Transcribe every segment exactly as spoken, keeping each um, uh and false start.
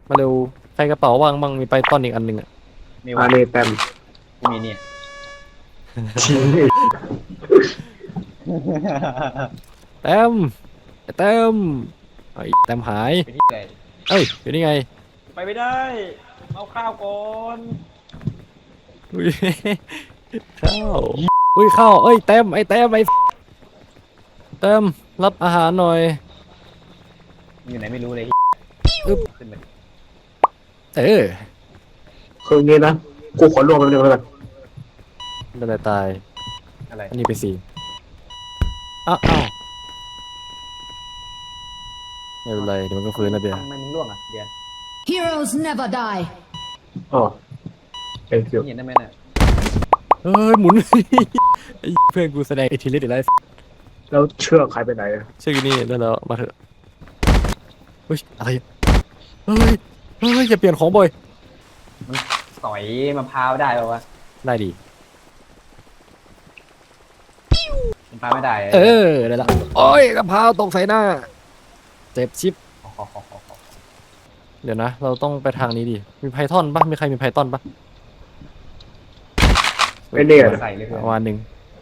มาเร็วใครกระเป๋าว่างบ้างมีไปต้อนอีกอันหนึ่งอ่ะมีอัวะนนี้เต็มกูมีเนี่ยชิ้นแต้มไอ้แต้มไอ้แต้มหายไปที่ไหนเอ้ยอยู่นี่ไงไปไม่ได้เอาข้าวก่อนอุ้ยข้าวอุ้ยข้าวเอ้ยแต้มไอ้แต้มไอ้แต้มรับอาหารหน่อยอยู่ไหนไม่รู้เลยอึ๊บขึ้นไปเออคืองี้นะกูขอรวมกันเดียวกันไม่ได้ตายอะไรอันนี้ไปสี่อ้าวอ้าวไม่เป็นไรเดี๋ยวมันก็ฟื้นแล้วเบียร์ทำไมมึงร่วงอ่ะเดียน Heroes never die. อ๋อเป็นคิวเห็นได้ไหมน่ะเอ้ยหมุน ไอ้เพื่อนกูแสดงอิทธิฤทธิ์อีกแล้วแล้วเชือกใครไปไหนชื่อนี่ได้แล้วมาเถอะเฮ้ยอะไรเฮ้ยเฮ้ยอย่าเปลี่ยนของบ่อยสอยมะพร้าวได้ป่าวะได้ดีมะพร้าวไม่ได้เออได้ละโอ้ยกระเพราตกใส่หน้าเจ็บชิปขอขอขอขอขอเดี๋ยวนะ เราต้องไปทางนี้ดิมีไพทอนปะมีใครมีไพทอนปะไม่เนี่ยใส่เลยเพื่อนประมาณหนึ่ง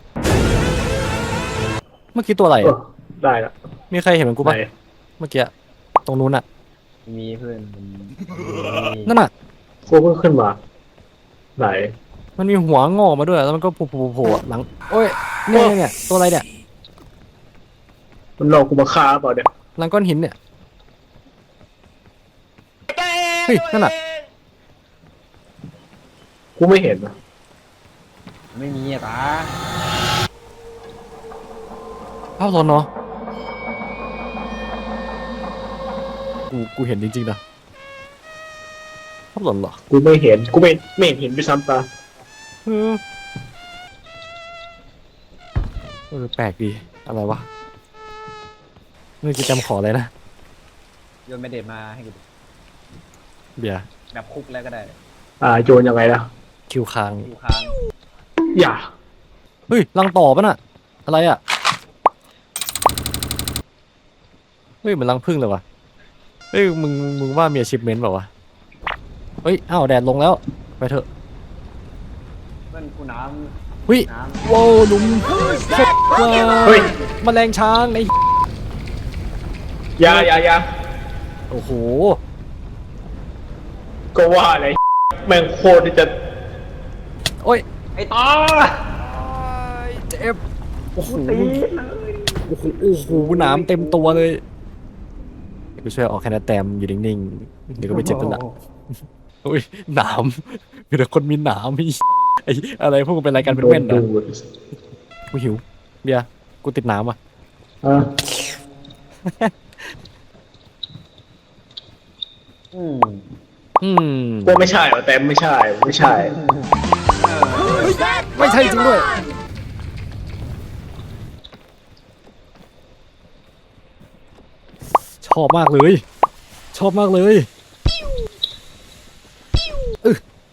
เมื่อกี้ตัวอะไรเอออะได้ละมีใครเห็นเหมือนกูปะไหนเมื่อกี้ตรงนู้นอะมีเพื่อนมันมีนั่นอะกูเพิ่งขึ้นมาไหนมันมีหัวงอกมาด้วยแล้วมันก็โผล่ๆๆอะหลังโอ้ยเนี่ยเนี่ยเนี่ยตัวอะไรเนี่ยมันหลอกกูมาฆ่าเปล่าเนี่ยหลังก้อนหินเนี่ยเฮ้ยนั่นอะกูไม่เห็นนะไม่มีอ่ะตาภาพซ้อนเนาะกูกูเห็นจริงๆนะภาพหลอนเหรอกูไม่เห็นกูไม่ไม่เห็นเห็นด้วยซ้ำตาเออเออแปลกดีอะไรวะนี่จะจำขออะไรนะโยนไม่เด็ดมาให้กูดูเบียร์แบบคุกแล้วก็ได้อ่าโยนยังไงนะคิวค้างอยู่ค้างอย่าเฮ้ยรังต่อปะน่ะอะไรอ่ะเฮ้ยเหมือนรังผึ้งเลยวะเฮ้ยมึงมึงว่ามี achievement เปล่าวะเฮ้ยอ้าวแดดลงแล้วไปเถอะเพื่อนกูน้เฮ้ยำน้ำว้าวหลุมเช็ดว้าเฮ้ยแมลงช้างไอ้อย่าอย่าอย่าโอ้โหก็ว่าอะไรแม่งโคตรที่จะโอ้ยไอ้ตาเจ็บโอ้โหตีเลยโอ้โหโอ้โหหนามเต็มตัวเลยกูช่วยออกแค่นั้นแต้มอยู่นิ่งๆเดี๋ยวก็ไปเจ็บตัวละโอ้ยหนามมีแต่คนมีหนามมีไอ้อะไรพวกมึงเป็นอะไรกันเป็นโดเว้นนเหรดูอดกูหิวเบียร์กูติดหนามอ่ะอ่ะอืมอืมกูไม่ใช่เหรอแต่ไม่ใช่ไม่ใช่ไม่ใช่จริงด้วยชอบมากเลย ชอบมากเลยอึ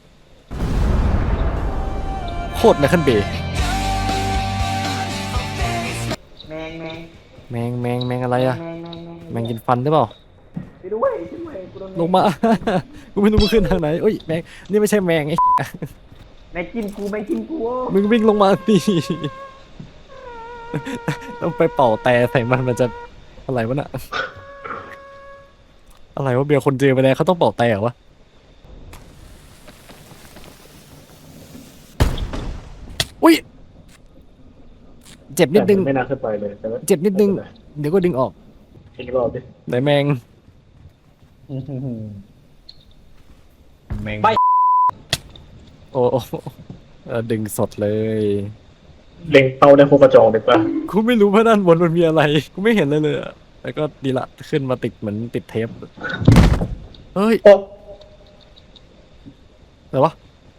โคตรไมเคิลเบย์แมงแมงแมงแมงแมงอะไรอะแมงแมงแมงแมงกินฟันได้เปล่าไปด้วยช่วยกูโดนลงมา กูไม่รู้มึงขึ้นทางไหนเอ้ยแมงนี่ไม่ใช่แมงไอ้แมงกินกูแมงกินกูมึงวิ่งลงมาดิ ต้องไปเป่าแต่ใส่มันมันจะอะไรวะน่ะ อะไรวะเบียร์คนเจอไปแล้วเขาต้องเป่าแต่เหรอวะอุ้ยเจ็บนิดนึงแต่ไม่น่าขึ้นไปเลยแต่ว่าเจ็บนิดนึง เดี๋ยวก็ดึงออกอีกรอบดิไหนแมงแมงโอ้โอ้เออดึงสดเลยเล็งเป้าได้โคกระจองเลยปะกูไม่รู้ว่าด้านบนมันมีอะไร กูไม่เห็นเลยเลยอะแล้วก็ดีละขึ้นมาติดเหมือนติดเทปเฮ้ยโอ้อะไรวะ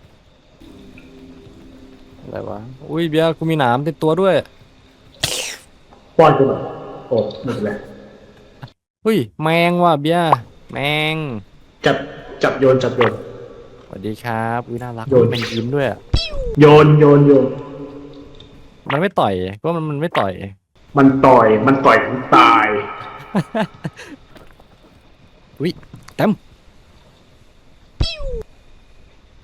อะไรวะอุ้ยเบียร์กูมีหนามติดตัวด้วยป้อนกูหน่อยโอ้ไม่เป็นไรอุ้ยแมงว่ะเบียร์แมงจับจับโยนจับโยนสวัสดีครับอุ้ยน่ารักโยนแมงยิ้มด้วยอะโยนโยนโยนมันไม่ต่อยก็มันมันไม่ต่อยมันต่อยมันต่อยกูตายอุ้ยเต็ม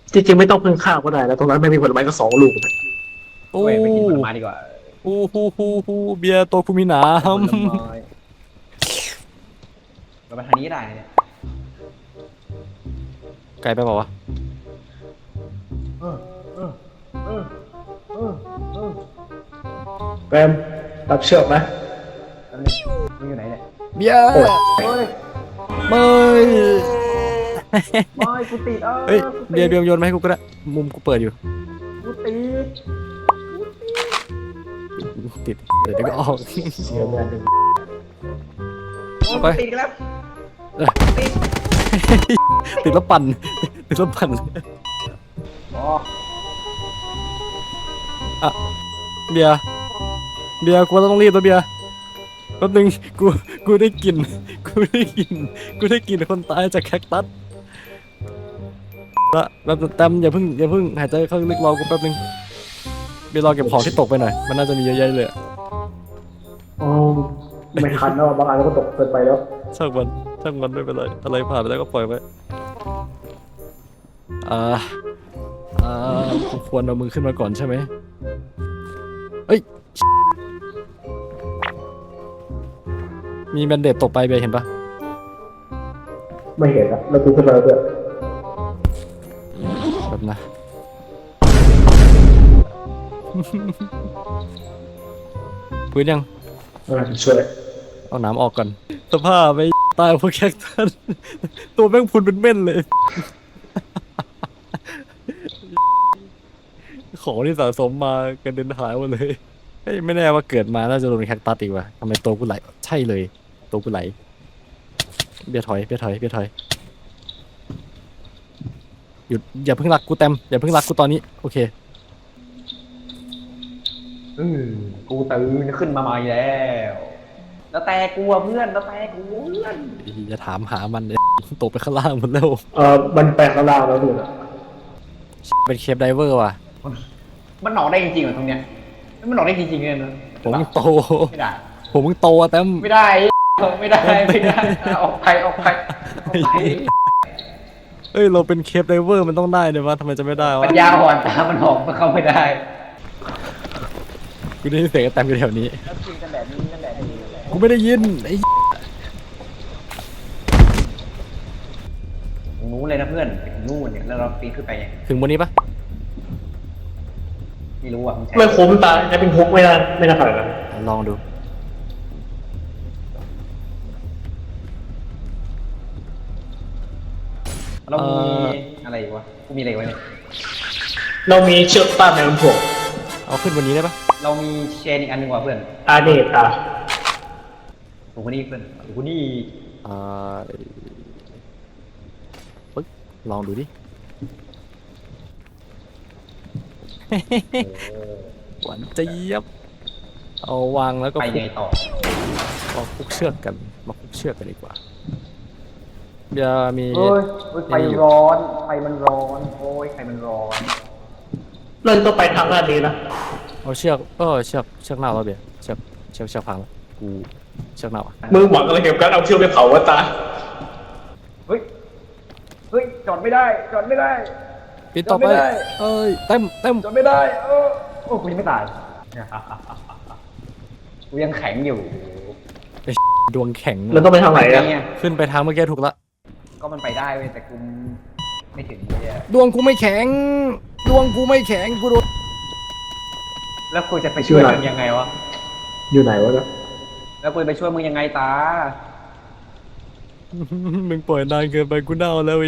จริงๆไม่ต้องเพิ่งข้าวก็ได้แล้วตรงนั้นไม่มีผลไม้ก็สองลูกโอ้เว้ยไปกินผลไม้ดีกว่าฮูฮูฮูฮูเบียร์ตัวกูมีหนาผลมไม้เราไปทางนี้ก็ได้เนี่ยไกลไปเปล่าวะเออเออเออเออเออแปมรับเชือกไหมแป๊บนึงมึงอยู่ไหนเนี่ยเบียร์เฮ้ยไม่ไม่กูติดเออเฮ้ยกูเบียติร์ดเบียร์โยนมาให้กูก็ได้ มุมกูเปิดอยู่กูติดติด เดี๋ยวเดี๋ยวก็ออกเสียแม่หนึ่งโอ้ยไปกูติดอีกแล้วเออติดติดแล้วปั่น ติดแล้วปั่นอ๋ออ่ะ เบียร์ เบียร์กูต้องรีบแล้วเบียร์แป๊บนึงกู กูได้กลิ่น กูได้กลิ่น กูได้กลิ่นคนตายจากแคคตัสละแล้วแต้มอย่าเพิ่งอย่าเพิ่งหายใจเข้าลึกรอกูแป๊บนึงเบียร์รอเก็บของที่ตกไปหน่อย มันน่าจะมีเยอะแยะเลยอะอ๋อไม่ทันแล้วบางอันก็ตกเกินไปแล้วช่างมันช่างมันไม่เป็นไรอะไรผ่านไปแล้วก็ปล่อยไว้อ่าอ่ากูควรเอามือขึ้นมาก่อนใช่ไหมเอ้ยมีแบนเดตตกไปเบียร์เห็นปะไม่เห็นนะแล้วกูขึ้นมาแล้วด้วยแบบนะ พื้นยังอ่าช่วยเอาน้ำออกก่อน สภาพไปตายเพราะแคคตัสตัวแม่งพุนเป็นเม่นเลย ของที่สะสมมากันเดินหายหมดเลยเฮ้ยไม่แน่ว่าเกิดมาน่าจะโดนแคคตัสอีกว่ะทำไมตัวกูไหลใช่เลยตัวกูไหลเบียร์ถอยเบียร์ถอยเบียร์ถอยหยุดอย่าเพิ่งรักกูเต็มอย่าเพิ่งรักกูตอนนี้โอเคอืมกูตื่นขึ้นมาใหม่แล้ว แล้วแต่กูอะเพื่อน แล้วแต่กูเพื่อนอย่าถามหามันเลยตกไปข้างล่างหมดแล้วเออมันแปลงข้างล่างแล้วดูนะเป็นเคปไดเวอร์ว่ะมันหนอกได้จริงๆเหรอตรงเนี้ย มันหนอกได้จริงๆเลยนะผมมึงโตไม่ได้ผมมึงโตอะเต็มไม่ได้ ไม่ได้ ไม่ได้ ออกไปออกไปออกไปเอ้ยเราเป็นเคปไดเวอร์มันต้องได้เลยวะทำไมจะไม่ได้วะปัญญาอ่อนตามันหอกมันเข้าไม่ได้กูได้ยินเสียงไอ้แต็มอยู่แถวนี้แล้วกินกันแบบนี้กันแบบนี้กันแบบกูไม่ได้ยินไอ้นู้นเลยนะเพื่อนไปถึงนู่นเนี่ย แล้วเราปีนขึ้นไปยังถึงบนนี้ปะไม่รู้อ่ะมึงใช้ไม่คุ้มตาจะเป็นคุกไม่ได้ไม่น่าขนาดนั้นลองดูเรามีอะไรอีกวะกูมีอะไรไว้เนี่ยเรามีเชือกป้าแมวผงเอาขึ้นบนนี้ได้ปะเรามีเชนอีกอันหนึงว่ะเพื่อนอาเนตาถูกคนนี้เพื่อนถูกคนนี้อ่าปึ๊กลองดูดิ หวานเจี๊ยบเอาวางแล้วก็ไปคุไงกต่อเอาคุกเชือกกันมาคุกเชือกกันดีกว่าเดี๋ยวมีเฮ้ยเฮ้ยไฟร้อน ไฟมันร้อน โอ้ยไฟมันร้อนเราต้องไปทางด้านนี้นะเอาเชือกเออเชือกเชือกเน่าแล้วเบียร์เชือกเชือกเชือกพังแล้วกูเชือกเน่าอ่ะมึงหวังอะไรเกี่ยวกับการเอาเชือกไปเผาวะตาเฮ้ย เฮ้ย จอดไม่ได้ จอดไม่ได้ปิดต่อไปจำไม่ได้เอ้ยเต็มเต็มจอดไม่ได้เออโอ้กูยังไม่ตาย กูยังแข็งอยู่ดวงแข็งเราต้องไปทางไหนอะไงอะขึ้นไปทางเมื่อกี้ถูกละก็มันไปได้เว้ยแต่กูไม่ถึงเลยอะดวงกูไม่แข็ง ดวงกูไม่แข็งกูโดนแล้วกูจะไปช่วยมึงยังไงวะอยู่ไหนวะเนี่ยแล้วกูจะไปช่วยมึงยังไงตามึงปล่อยนานเกินไปกูเน่าแล้วไอ้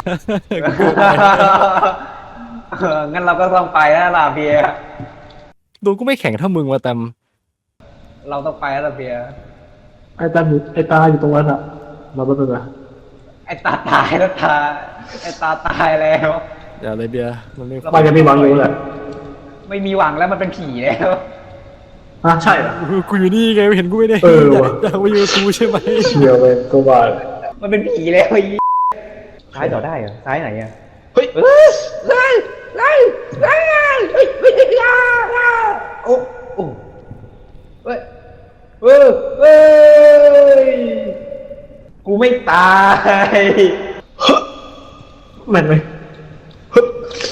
เอองั้นเราก็ต้องไปแล้วล่ะเบียร์ดวงกูไม่แข็งเท่ามึงว่ะแตมเราต้องไปแล้วล่ะเบียร์ไอ้ตาอยู่ไอ้ตาอยู่ตรงนั้นอะมาแป๊บนึงนะไอ้ตาตายแล้วตา ไอ้ตาตายแล้วอย่าเลยเบียร์มันไม่มันจะมีหวังอยู่แหละไม่มีหวังแล้วมันเป็นผีแล้วอ่ะใช่เหรอกูอยู่นี่ไงเห็นกูไม่ได้เอออยากว่ะอยากมาอยู่กับกูใช่ไหมเชียวเลยก็ว่ามันเป็นผีแล้วไอ้ซ้ายต่อได้เหรอซ้ายไหนอะเฮ้ยเฮ้ยเฮ้ยเฮ้ยเฮ้ยเฮ้ยเฮ้ยเฮ้ยโอ้โอ้เฮ้ยเฮ้ยเฮ้ยกูไม่ตายแม่นไหมเฮ้ย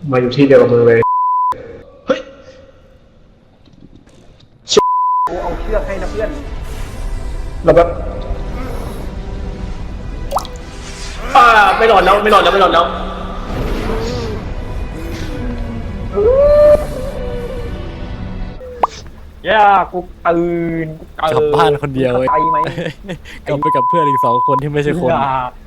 มาอยู่ที่เดียวกับมึงเลยเฮ้ยกูเอาเชือกให้นะเพื่อนแล้วแบบอ่าไม่หลอดแล้วไม่หลอดแล้วไม่หลอดแล้วย่ากูตื่นกูตื่นกลับบ้านคนเดียวเว้ยไปไหมกลับไปกับเพื่อนอีกสองคนที่ไม่ใช่คนอย่า